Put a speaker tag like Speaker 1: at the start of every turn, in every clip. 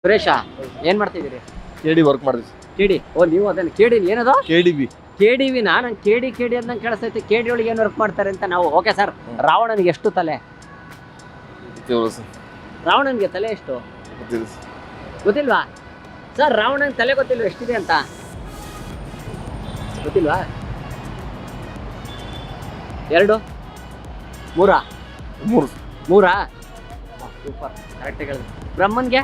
Speaker 1: ಸುರೇಶ ಏನ್ ಮಾಡ್ತಿದ್ದೀರಿ?
Speaker 2: ಕೆಡಿ ವರ್ಕ್ ಮಾಡಿದ್ವಿ.
Speaker 1: ಕೆಡಿ ಓ ನೀವು ಅದನ್ನ ಕೆಡಿ ಏನದು
Speaker 2: ಕೆಡಿಬಿ
Speaker 1: ಕೆಡಿವಿ ನಾನು ಕೆಡಿ ಅಂತ ಕೇಳಿಸ್ತೈತೆ. ಕೆಡಿ ಒಳಗೆ ಏನು ವರ್ಕ್ ಮಾಡ್ತಾರೆ ಅಂತ ನಾವು ಓಕೆ ಸರ್. ರಾವಣನಿಗೆ ಎಷ್ಟು ತಲೆ? ರಾವಣನಿಗೆ ತಲೆ ಎಷ್ಟು ಗೊತ್ತಿಲ್ವಾ ಸರ್? ರಾವಣನ ತಲೆ ಗೊತ್ತಿಲ್ವಾ ಎಷ್ಟಿದೆ ಅಂತ ಗೊತ್ತಿಲ್ವಾ? 2 3 ಮೂರಾ? ಸೂಪರ್ ಕರೆಕ್ಟ್ ಹೇಳಿದ್ರು. ಬ್ರಹ್ಮನ್ಗೆ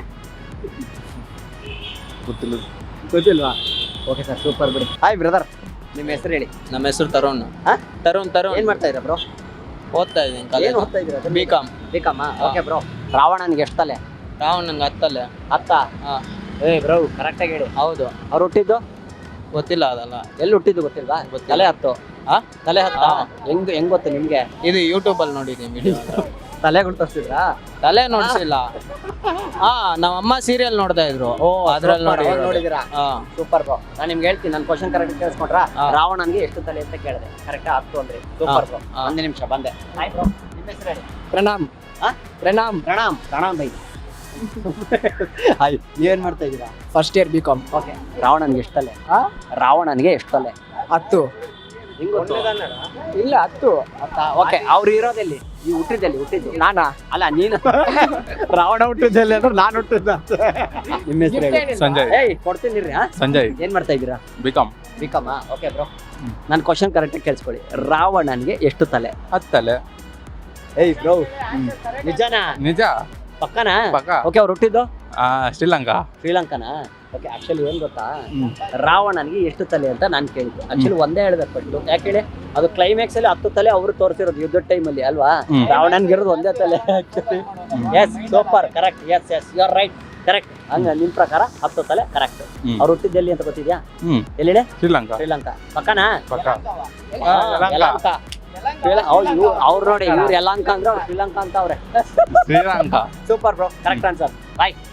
Speaker 1: ಗೊತ್ತಿಲ್ವಾ? ಓಕೆ ಸರ್ ಸೂಪರ್ ಬಿಡಿ. ಹಾಯ್ ಬ್ರದರ್, ನಿಮ್ಮ ಹೆಸರು ಹೇಳಿ.
Speaker 3: ನಮ್ಮ ಹೆಸರು ತರುಣ್. ತರುಣ್
Speaker 1: ಏನ್ ಮಾಡ್ತಾ ಇದ್ದೀರಾ ಬ್ರೋ?
Speaker 3: ಓದ್ತಾ ಇದ್ದೀನಿ.
Speaker 1: ಏನು ಓದ್ತಾ ಇದ್ದೀರಾ?
Speaker 3: ಬಿಕಾಮ್.
Speaker 1: Okay bro. ರಾವಣನಿಗೆ ಎಷ್ಟು ತಲೆ?
Speaker 3: ನಂಗೆ ಹತ್ತಲ್ಲ.
Speaker 1: 10? ಏ ಬ್ರೋ ಕರೆಕ್ಟಾಗಿ ಹೇಳಿ.
Speaker 3: ಹೌದು.
Speaker 1: ಅವ್ರು ಹುಟ್ಟಿದ್ದು
Speaker 3: ಗೊತ್ತಿಲ್ಲ ಅದಲ್ಲ.
Speaker 1: ಎಲ್ಲಿ ಹುಟ್ಟಿದ್ದು ಗೊತ್ತಿಲ್ವಾ?
Speaker 3: ಗೊತ್ತಿಲ್ಲ.
Speaker 1: ತಲೆ 10. ತಲೆ 10 ಹೆಂಗ್ ಗೊತ್ತು ನಿಮ್ಗೆ?
Speaker 3: ಇದು ಯೂಟ್ಯೂಬ್ ಅಲ್ಲಿ ನೋಡಿದ್ದೀನಿ ವಿಡಿಯೋ.
Speaker 1: ತಲೆಗಳು ತೋರಿಸಿದ್ರಾ?
Speaker 3: ತಲೆ ನೋಡ್ಸಿಲ್ಲ. ನಮ್ಮ ಅಮ್ಮ ಸೀರಿಯಲ್ ನೋಡ್ತಾ ಇದ್ರು. ಅದ್ರಲ್ಲಿ
Speaker 1: ನೋಡಿದಿರಾ? Super bro. ನಾನು ನಿಮ್ಗೆ ಹೇಳ್ತೀನಿ, ನನ್ನ ಕ್ವಶನ್ ಕರೆಕ್ಟ್ ಕೇಳಿಸ್ಕೊಂಡ್ರಾ? ರಾವಣನ್ಗೆ ಎಷ್ಟು ತಲೆ ಅಂತ ಕೇಳಿದೆ, ಕರೆಕ್ಟ್ 10 ಅಂದ್ರಿ. Super bro. 1 ನಿಮಿಷ ಬಂದೆ. ಹಾಯ್ ಬ್ರೋ, ನಿಮ್ಮ ಹೆಸರು ಹೇಳಿ.
Speaker 3: ಪ್ರಣಾಮ್.
Speaker 1: ಪ್ರಣಾಮ್ ಬೈ. ಹಾಯ್, ನೀವೇನ್ ಮಾಡ್ತಾ ಇದ್ದೀರಾ?
Speaker 3: First year B Com.
Speaker 1: ಓಕೆ. ರಾವಣನ್ಗೆ ಎಷ್ಟು ತಲೆ? ರಾವಣನ್ಗೆ ಎಷ್ಟು ತಲೆ?
Speaker 3: 10.
Speaker 1: ಹಿಂಗ್ ಗೊತ್ತು?
Speaker 3: ಇಲ್ಲ 10.
Speaker 1: ಓಕೆ. ಅವ್ರು ಇರೋದೆಲ್ಲಿ? ಈ ಹುಟ್ಟಿದ್ದು
Speaker 3: ನಾನಾ?
Speaker 1: ಅಲ್ಲ ನೀನು.
Speaker 3: ರಾವಣ ಹುಟ್ಟಿದ್ದಲ್ಲಿ ಅಂದ್ರೆ ನಾನು ಹುಟ್ಟಿದ್ದ.
Speaker 1: ನಿಮ್ಮ ಹೆಸರು ಹೇಳಿ.
Speaker 2: ಸಂಜಯ್.
Speaker 1: ಏಯ್ ಕೊಡ್ತೀನಿ ರೀ.
Speaker 2: ಸಂಜಯ್.
Speaker 1: ಏನ್ ಮಾಡ್ತಾ ಇದ್ದೀರಾ?
Speaker 2: ಬಿಕಾಮ್.
Speaker 1: Okay bro. ನನ್ನ ಕ್ವಶನ್ ಕರೆಕ್ಟಾಗಿ ಕೇಳಿಸ್ಕೊಳ್ಳಿ. ರಾವಣನ್ಗೆ ಎಷ್ಟು ತಲೆ?
Speaker 2: 10 ತಲೆ.
Speaker 1: ಏಯ್ ಬ್ರೋ ನಿಜನಾ?
Speaker 2: ನಿಜ.
Speaker 1: ಪಕ್ಕನಾ?
Speaker 2: ಪಕ್ಕ.
Speaker 1: ಓಕೆ. ಅವ್ರು ಹುಟ್ಟಿದ್ದು
Speaker 2: ಶ್ರೀಲಂಕಾ.
Speaker 1: ಓಕೆ. ಆಕ್ಚುಲಿ ಏನ್ ಗೊತ್ತಾ, ರಾವಣನ್ಗೆ ಎಷ್ಟು ತಲೆ ಅಂತ ನಾನು ಕೇಳಿದ್ದು. ಆಕ್ಚುಲಿ ಒಂದೇ ಹೇಳ್ಬೇಕು ಪಟ್ಟು. ಯಾಕೆ ಹೇಳಿ, ಅದು ಕ್ಲೈಮ್ಯಾಕ್ಸ್ ಅಲ್ಲಿ 10 ತಲೆ ಅವರು ತೋರಿಸಿರೋದು ಯುದ್ಧದ ಟೈಮಲ್ಲಿ ಅಲ್ವಾ? ರಾವಣನ್ಗೆ ಇರೋದು ಒಂದೇ ತಲೆ. Yes super correct. Yes you are right correct. ಹಂಗ ನಿಮ್ ಪ್ರಕಾರ 10 ತಲೆ ಕರೆಕ್ಟ್. ಅವ್ರು ಹುಟ್ಟಿದ್ದು ಎಲ್ಲಿ ಅಂತ ಗೊತ್ತಿದ್ಯಾ? ಎಲ್ಲಿ? ಶ್ರೀಲಂಕಾ. ಪಕ್ಕನಾ? ಯಲಹಂಕ. ಅವ್ರು ನೋಡಿ, ಇವ್ರು ಯಲಹಂಕ ಅಂದ್ರೆ ಅವ್ರು ಶ್ರೀಲಂಕಾ ಅಂತ ಅವ್ರೆ.
Speaker 2: Sri Lanka.
Speaker 1: Super bro, correct answer. ಬಾಯ್.